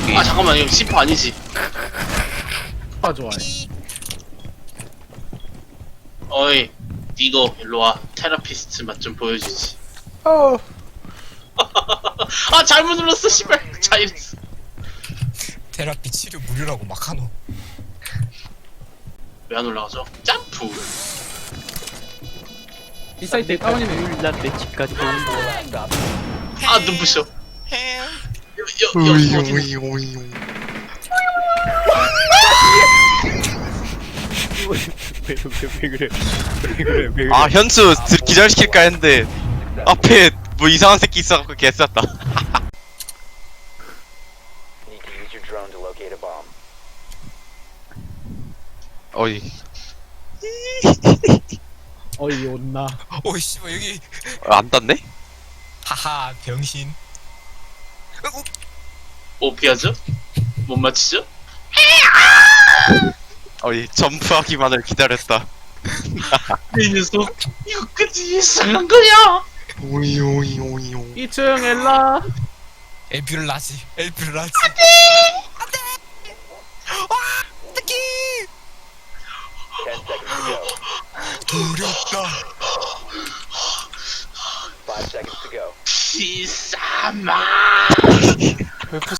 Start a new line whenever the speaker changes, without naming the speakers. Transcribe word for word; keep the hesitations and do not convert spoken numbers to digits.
여기.
아 잠깐만 이거 씨퍼 아니지.
아 좋아해.
어이 니거 일로와. 테라피스트 맛 좀 보여주지.
어.
아 잘못 눌렀어 씨발. 자 이랬어.
테라피 치료 무료라고 막 하노.
왜 안 올라가죠? 점프.
이 사이트에 다운이네.
난내 집까지 오는 거야.
아 눈부셔.
헬.
여, 여, 여, 어디
왜, 왜, 왜 그래? 왜 그래? 왜 그래?
아 현수 드- 기절시킬까 했는데 앞에 뭐 이상한 새끼 있어갖고 개쌌다.
Need to use your drone to locate a bomb.
어이.
어이 온나.
오이 씨발 여기.
안 땄네?
하하 병신. 어,
오 피하죠? 못 맞히죠?
어이 점프하기만을 기다렸다.
이 녀석 이거까지 예상한 거야.
오이 오이 오이 오이.
이 층 엘라.
엘피를 라지. 엘피를 라지. 안돼. 안돼. 와 특히.
Ten seconds to go.
두렵다.
Five seconds to go.
기사마.